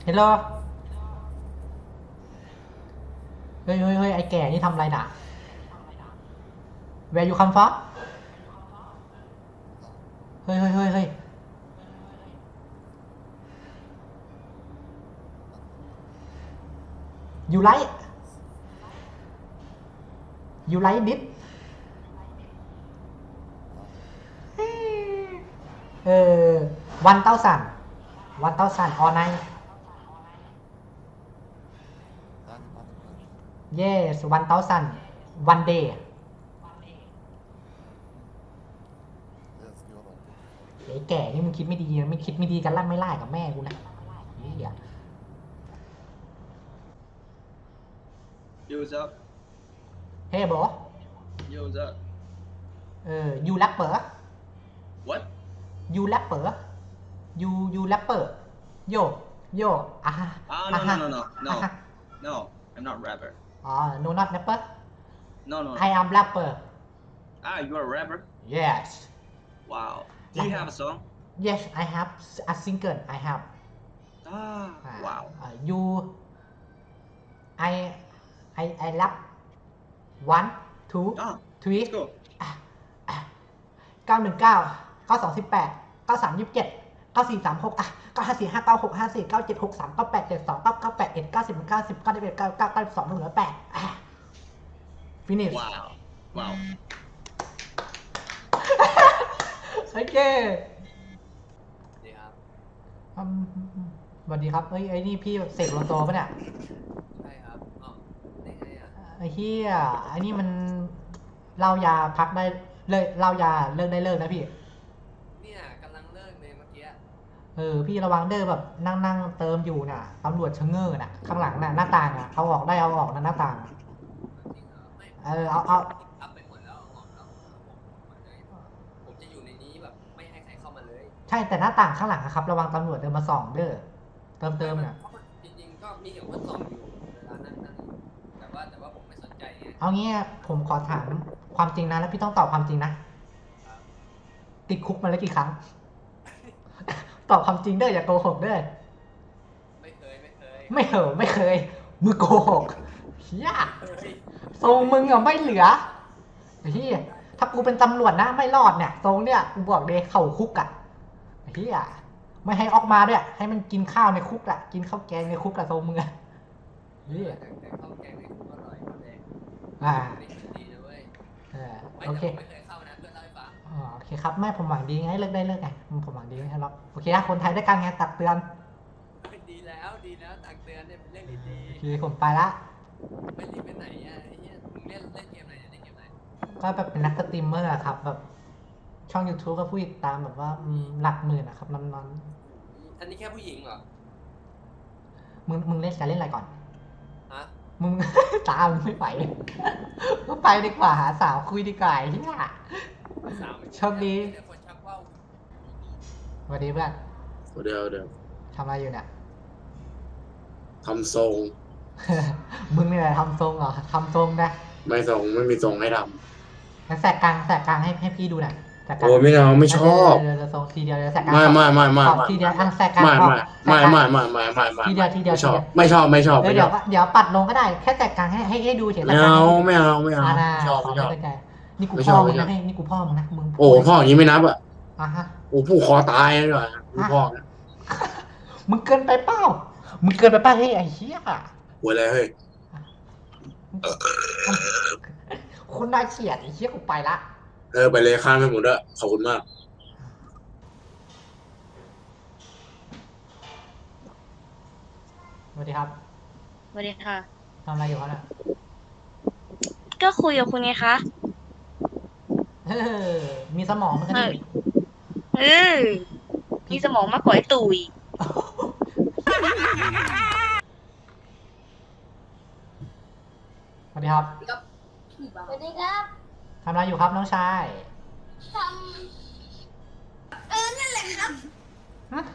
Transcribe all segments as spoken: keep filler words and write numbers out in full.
ฮลโหลเฮ้ยเฮ้ยเฮ้ยไอ้แก่นี่ทำอะไรน่ะ Where you come from เฮ้ยเฮ้ยเฮ้ยเฮ้ย You like You like this เออ one thousand one thousand all night yes one thousand one day ไอ้แก่นี่มึงคิดไม่ดีไม่คิดไม่ดีกันลั่นไม่ไล่กับแม่กูนะเฮีย Yo, what's up? Hey bro Yo, what's up? เออ you rapper What? you rapper you you rapper yo yo อ่ะฮะ Ah, อ่ะ no, ฮะ no, no, no, อ่ะ no, ฮะ no. I'm not rapper. อ๋อ no not rapper No, no, I no. am rapper Ah, you are a rapper? yes Wow. Do you have a song? yes I have a single I have Ah, wow. uh, you I I I rap one two Ah, three let's go. เก้าหนึ่งเก้าเก้าสองสิบแปดเก้าสามยี่สิบเจ็ดเก้าสี่สามหกอ่ะเก้าห้าสี่ห้าเก้าหกห้าสี่เก้าเจ็ดหกสามเก้าแปดเจ็ดสองเก้าเก้าแปดเอ็ดเก้าสิบเก้าสิบเก้าสิบเอ็ดเก้าเก้าเก้าสิบสองหนึ่งร้อยแปดอ่ะ finish Wow. Wow. โอเคดีครับอืมสวัสดีครับเอ้ยไอ้นี่พี่เสกโลโซปะเนี่ยใช่ครับอ๋อได้ไงอ่ะไอ้เฮียไอ้นี่มันเหล้ายาพักได้เลิกเหล้ายาเลิกได้เลิกนะพี่เนี่ยกำลังเลิกเลยเมื่อกี้เออพี่ระวังเด้อแบบนั่งนั่งเติมอยู่น่ะตำรวจชะเง้อน่ะข้างหลังน่ะหน้าต่างอ่ะเอาออกได้เอาออกนะหน้าต่างจริงเหรอไม่เออเอาเอาอัพไปหมดแล้วออกแล้วผมเลยผมจะอยู่ในนี้แบบไม่ให้ใครเข้ามาเลยใช่แต่หน้าต่างข้างหลังนะครับระวังตำรวจเดินมาส่องเด้อเติมเติมน่ะจริงๆก็มีเห็นว่าส่องอยู่เวลานั่งนั่งอยู่แต่ว่าแต่ว่าผมไม่สนใจไงเอางี้ผมขอถามความจริงนะแล้วพี่ต้องตอบความจริงนะติดคุกมาแล้วกี่ครั้ง ตอบความจริงเด้ออย่าโกหกเด้อไม่เคยไม่เคยไม่เหอะไม่เคยมึงโกหกเฮียเฮ้ยทรงมึงอ่ะไม่เหลือเฮียถ้ากูเป็นตำรวจนะไม่รอดเนี่ยทรงเนี่ยกูบอกเลยเข่าคุกอ่ะเฮียไม่ให้ออกมาด้วยให้มันกินข้าวในคุกอ่ะกินข้าวแกงในคุกอ่ะทรงมึงอ่ะเฮียแต่แต่ข้าวแกงในคุกอร่อยกว่าเลยอ่าไม่คิดดีนะเว้ยเออไม่โอแต่เคผมไม่เคยเข้านะเพื่อนเล่าให้ฟังอ๋อโอเคครับไม่ผมหวังดีไงเลิกได้เลิกไงผมหวังดีไม่ใช่หรอกโอเคนะคนไทยด้วยกันไงตักเตือนดีแล้วดีแล้วตักเตือนเนี่ยเป็นเรื่องดีโอเคผมไปละๆไม่รีบไปไหนอ่ะไอ้เหี้ยมึงเล่นเล่นเกมอะไรเนี่ยเล่นเกมอะไรก็แบบเป็นนักสตรีมเมอร์อะครับแบบช่อง YouTube ก็ผู้ติดตามแบบว่าอืมหลักหมื่นอะครับน้องอันนี้แค่ผู้หญิงเหรอๆมึงมึงเล่นจะเล่นอะไรก่อนฮะมึง ตามงไม่ไหว ก็ไปดีกว่าหาสาวคุยดีกว่าไอ้ที่น่ะสาวโชคดีเดี๋ยวคนชักว่าวสวัสดีเพื่อนเดี๋ยวเดี๋ยวทำอะไรอยู่เนี่ยทำทรงมึงนี่แหละทำทรงเหรอทำทรงนะไม่ทรงไม่มีทรงให้ทงั้นแสกกลางแสกกลางให้ให้พี่ดูหน่อยแสกำกลางโอ้ไม่เอาไม่ชอบเดี๋ยวเดี๋ยวทรงทีเดียวเดี๋ยวแสกกลางไม่ไม่ไม่ไม่ขอไม่ทีเดียวอ่ะแสกกลางไม่ขอไม่แสกไม่กลางไม่ไม่ไม่ไม่ไม่ทีเดียวทีเดียวไม่ชอบทีเดียวไม่ชอบไม่ชอบเดี๋ยวไม่ชเดี๋ยอวบเดี๋ยวปัดลงก็ได้แค่แสกกลางให้ให้ให้ดูเฉยไม่เอาไม่เอาไม่เอาอ่านะไม่ชอบขอไม่ชอบไม่เป็นไรนี่กูไม่ชพ่ออบ มึงไม่ชอนะบนี่นี่กูพ่อมึงนะมึงโอ้พ่ออย่างนี้ไม่นับอ่ะอ่ะฮะโอ้ผู้คอตายเลยว่ะผู้พ่อเนี่ยมึงเกินไปเปล่ามึงเกินไปเปล่าเฮ้ยไอ้เหี้ยหัวอะไรเฮ้ยคุณน่าเกลียดไอ้เหี้ยกูไปละเออไปเลยข้ามไปหมดด้วยขอบคุณมากสวัสดีครับสวัสดีค่ะทำอะไรอยู่ครับน่ะก็คุยกับคุณไงคะเออมีสมองมันก็ดีเออ มีสมองมากกว่าไอ้ตุ๋ยสวัสดีครับสวัสดีครับทำอะไรอยู่ครับน้องชายทำเออ นั่นแหละครับฮะ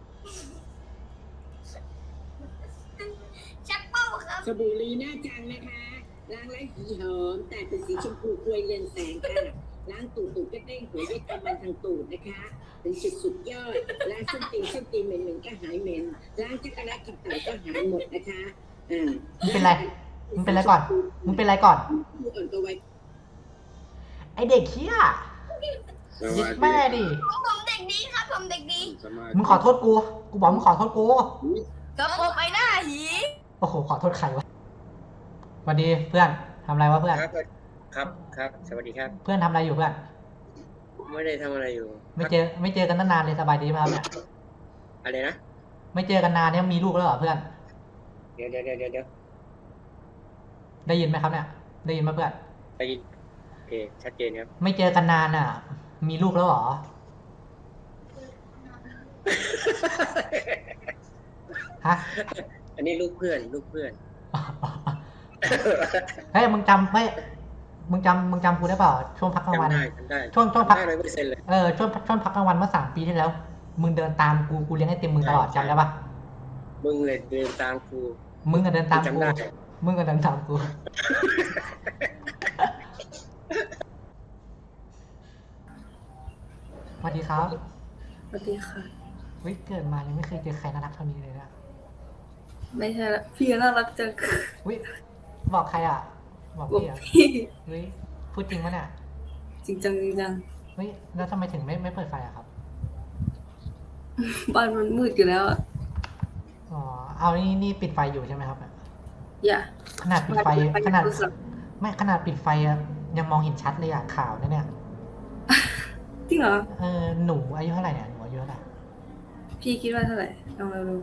ชักเป้าครับสบู่ลีน่าจังนะคะล้างไร้สีหอมแต่เป็นสีชมพูควยเรืองแสงค่ะล้างตูดตูดก็เด้งหัวด้วยกำมันทางตูดนะคะถึงจุดสุดยอดล้างส้นตีนส้นตีนเหม็นๆก็หายเหม็นล้างจักรแลกินไตก็หายหมดนะคะอ่ามึงเป็นไรมึงเป็นไรก่อนมึงเป็นไรก่อนมืออ่อนตัวไวไอเด็กเหี้ยสยึวัดสดีแม่ดิผมเด็กดีครับผมเด็กดีสมาธิมึงขอโทษกูกูบอกมึงขอโทษกูกระโปรงไปหน้าหีโอ้โหขอโทษใครวะสวัสดีเพื่อนทำอะไรวะเพื่อนครับครับครับสวัสดีครับเพื่อนทำอะไรอยู่เพื่อนไม่ได้ทำอะไรอยู่ไม่เจอไม่เจอกันตั้งนานเลยสบายดีไหมครับเนี่ยอะไรนะไม่เจอกันนานเนี่ยมีลูกแล้วเหรอเพื่อนเดี๋ยวเดี๋ยวเดี๋ยวเดี๋ยวเดี๋ยวได้ยินไหมครับเนี่ย ได้ยินไหมเพื่อนไปยินโอเคชัดเจนครับไม่เจอกันนานอ่ะ มีลูกแล้วเหรอ ฮะอันนี้ลูกเพื่อนลูกเพื่อนเฮ้ยมึงจำเฮ้ยมึงจำมึงจำกูได้เปล่าช่วงพักกลางวันจำได้จำได้ช่วงช่วงพักจำได้ร้อยเปอร์เซ็นต์เลยเออช่วงช่วงพักกลางวันเมื่อสามปีที่แล้ว มึงเดินตามกูกูเลี้ยงไอติมมึงตลอดจำได้ปะมึงเลยเดินตามครูมึงก็เดินตามจำกูได้มึงก็เดินตามกู สวัสดีครับสวัสดีค่ะเฮ้ยเกิดมายังไม่เคยเจอใครน่ารักเท่านี้เลยนะไม่ใช่ละพี่น่ารักจังเฮ้ยบอกใครอ่ะ บอกบอกพี่อ่ะพี่เฮ้ยพูดจริงปะเนี่ยจริงจังจริงจังเฮ้ยแล้วทำไมถึงไม่ไม่เปิดไฟอะครับบ้านมันมืดอยู่แล้วอะอ๋อเอานี่นี่ปิดไฟอยู่ใช่ไหมครับเนี่ยอย่าขนาดปิดไฟไปขนาดโทรศัพท์ไม่ขนาดปิดไฟอะยังมองเห็นชัดเลยอะข่าวนะเนี่ยจริงเหรอเออหนูอายุเท่าไหร่เนี่ยหนูอายุเท่าไหร่พี่คิดว่าเท่าไหร่ลองเราดู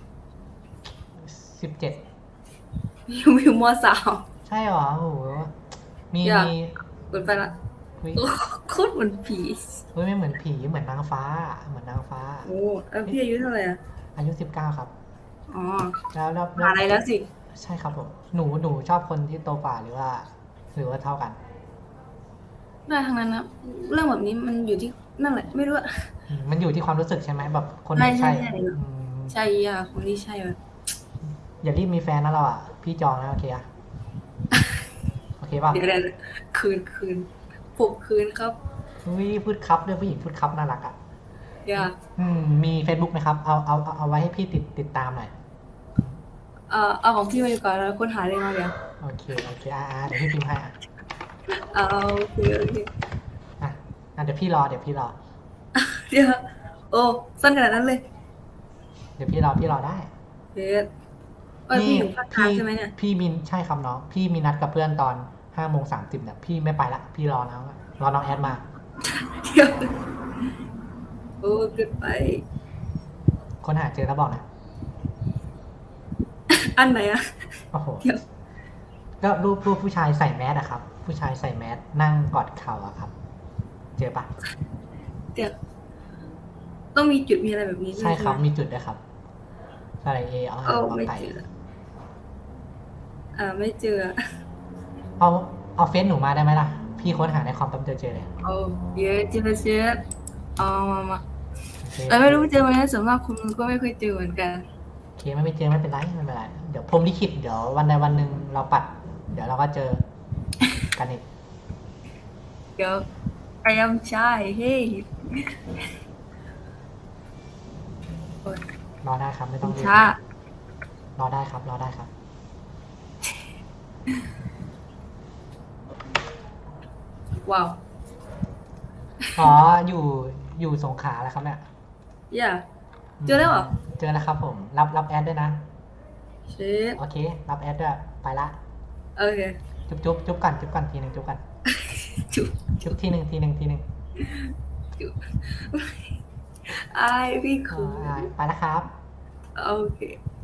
สิบเจ็ดอยู่อยู่มสามใช่เหรอโอ้โหมีอยากมีเปิดไปละเฮ้ยโอ้โคตรเหมือนผีเฮ้ยไม่เหมือนผีเหมือนนางฟ้า เหมือนนางฟ้าโอ้แล้วพี่อายุเท่าไหร่อ่ะอายุสิบเก้าครับอ๋อแล้วแล้วหาอะไรแล้วสิใช่ครับผมหนูหนูชอบคนที่โตกว่าหรือว่า หรือว่าเท่ากันได้ทั้งนั้นนะเรื่องแบบนี้มันอยู่ที่นั่นแหละ ไม่รู้อะอืมมันอยู่ที่ความรู้สึกใช่ไหมแบบคนไหนไม่ใช่ใช่ใช่อืมใช่อ่ะคนที่ใช่อะอย่ารีบมีแฟนนะเราอ่ะ พี่จองนะโอเคอะโอเคป่ะเดี๋ยวเดี๋ยวคืนคืนปลุกคืนครับอุ้ยพูดครับด้วยผู้หญิงพูดครับน่ารักอ่ะอย่าอืมมี Facebook ไหมครับ เอาเอาเอาเอาไว้ให้พี่ติดติดตามหน่อยเอ่อเอาของพี่มาดีกว่อนแล้วค้นหาเลยมาเดี๋ยวโอเคโอเคอ่าอ่าเดี๋ยวพี่พิมพ์ให้อ่ะเอาโอเคโอเคอ่ะอ่ะเดี๋ยวพี่รอเดี๋ยวพี่รอเดี๋ยวโอ้สั้นขนาดนั้นเลยเดี๋ยวพี่รอพี่รอได้เฮ็ดเอ้ยพี่อยู่ภาคกลางใช่ไหมเนี่ยพี่มีใช่ครับน้องพี่มีนัดกับเพื่อนตอนห้าโมงสามสิบเนี่ยพี่ไม่ไปละพี่รอน้องรอน้องแอดมาเดี๋ยวโอ้เกินไปคนหาเจอแล้วบอกนะอันไหนอะโอ้โหเดี๋ยวก็รูปรูปผู้ชายใส่แมสอะครับ ผู้ชายใส่แมสนั่งกอดเข่าอะครับ เจอปะเดี๋ยวต้องมีจุดมีอะไรแบบนี้ด้วยใช่ครับไหมมีจุดด้วยครับใส่เอเอาเอ้าเอาไม่ไปเจออ่าไม่เจอเอาเอาเฟซหนูมาได้ไหมล่ะ พี่ค้นหาในคอมแป๊บเดียวเจอเลยเอาเยอะเจอเจอเอามามาโอเคแต่ไม่รู้เจอไหมส่วนมากคุณก็ไม่เคยเจอเหมือนกันโอเคไม่ไม่เจอไม่เป็นไรไม่เป็นไรเดี๋ยวพรหมลิขิตเดี๋ยววันใดวันหนึ่งเราปัด เดี๋ยวเราก็เจอกันอีกเดี๋ยว I am shy เฮ้ยรอได้ครับไม่ต้องรีบช้ารอได้ครับ รอได้ครับว้าวอ๋ออยู่อยู่สงขลาแล้วครับเนี่ยอย่า เจอแล้วเหรอเจอแล้วครับผม รับรับแอดด้วยนะเช็ดโอเค รับแอดด้วยไปละโอเคจุ๊บจุ๊บจุ๊บกันจุ๊บกันทีหนึ่งจุ๊บกันจุบจุ๊บทีหนึ่งทีหนึ่งทีหนึ่งจุบอายพี่อ๋คืออไปแล้วครับโอเค